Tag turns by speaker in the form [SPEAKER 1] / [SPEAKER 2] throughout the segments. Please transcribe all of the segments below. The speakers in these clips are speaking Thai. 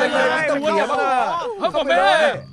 [SPEAKER 1] ตัวเดียวบ้างพ่อแม่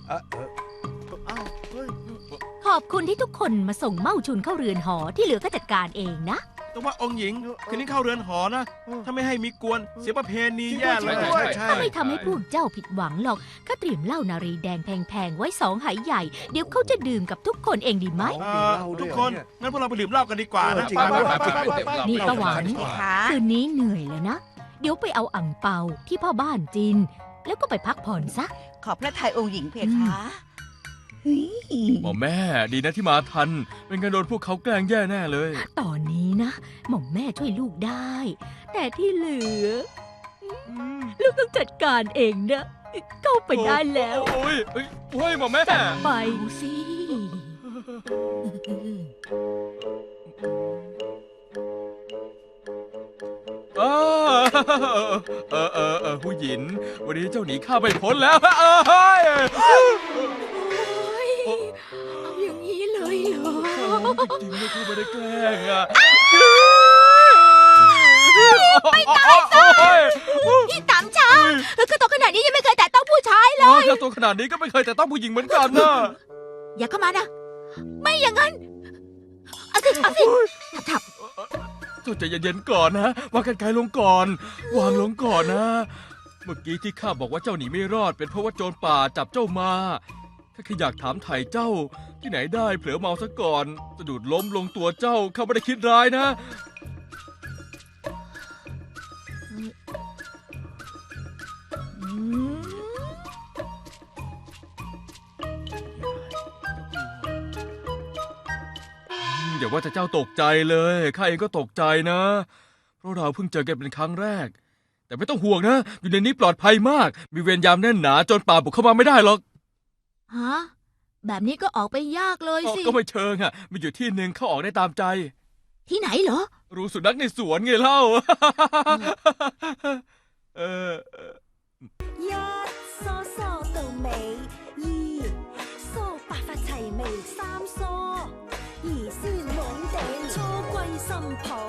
[SPEAKER 2] ขอบคุณที่ทุกคนมาส่งเม่าชุนเข้าเรือนหอที่เหลือก็จัดการเองนะ
[SPEAKER 3] แต่ว่าองค์หญิงคืนนี้เข้าเรือนหอนะถ้าไม่ให้มีกวนเสียประเพณีแย่เลย
[SPEAKER 2] ถ้าไม่ทำให้พวกเจ้าผิดหวังหรอกก็เตรียมเหล้านารีแดงแพงๆไว้2 ไหใหญ่เดี๋ยวเขาจะดื่มกับทุกคนเองดีไหม
[SPEAKER 3] ทุกคนงั้นพวกเราไปดื่มเหล้ากันดีกว่านะ
[SPEAKER 2] นี่ประหวานคืนนี้เหนื่อยแล้วนะ เดี๋ยวไปเอาอั่งเปาที่พ่อบ้านจิน แล้วก็ไปพักผ่อนซะ
[SPEAKER 4] ขอบพระทัยองค์หญิงเพคะ
[SPEAKER 1] หมอแม่ดีนะที่มาทันไม่งั้นโดนพวกเขาแกล้งแย่แน่เลย
[SPEAKER 2] ตอนนี้นะหม่อมแม่ช่วยลูกได้ แต่ที่เหลือลูกต้องจัดการเองนะเข้าไปได้แล้ว
[SPEAKER 1] โอ้ยหมอแม่
[SPEAKER 2] ไปสิ
[SPEAKER 1] ผู้หญิงวันนี้เจ้าหนีข้าไปพ้นแล้วเฮ้ย
[SPEAKER 2] เอาอย่างนี้เลยเหรอ
[SPEAKER 1] จริงๆไม่เข้าไปได้แกล้งอ่ะ
[SPEAKER 2] ไม่ตายซะพี่ต๋ำช้าก็โตขนาดนี้ยังไม่เคยแตะต้องผู้ชายเลย
[SPEAKER 1] ถ้าตัวขนาดนี้ก็ไม่เคยแต่ต้องผู้หญิงเหมือนกันนะ
[SPEAKER 2] อย่าเข้ามานะ ไม่อย่างนั้นเอาสิทับ
[SPEAKER 1] เจ้าใจเย็นๆก่อนนะวางกันไกลลงก่อน วางลงก่อนนะ เมื่อกี้ที่ข้าบอกว่าเจ้าหนีไม่รอดเป็นเพราะว่าโจรป่าจับเจ้ามาข้าแค่อยากถามไถ่เจ้า ที่ไหนได้เผลอเมาซะก่อนสะดุดล้มลงตัวเจ้าข้าไม่ได้คิดร้ายนะ อย่าว่าแต่เจ้าตกใจเลยข้าเองก็ตกใจนะ เพราะเราเพิ่งเจอกันเป็นครั้งแรก แต่ไม่ต้องห่วงนะ อยู่ในนี้ปลอดภัยมาก มีเวรยามแน่นหนาจนป่าบุกเข้ามาไม่ได้หรอก
[SPEAKER 2] ฮะแบบนี้ก็ออกไปยากเลยสิ
[SPEAKER 1] ก็ไม่เชิงอ่ะ มีอยู่ที่หนึ่งเข้าออกได้ตามใจ
[SPEAKER 2] ที่ไหนเหรอ
[SPEAKER 1] รู้สุนัขในสวนไงเล่า เออ
[SPEAKER 5] 一梳梳到尾，二梳白髮齊眉，三梳兒孫滿地，初歸新抱。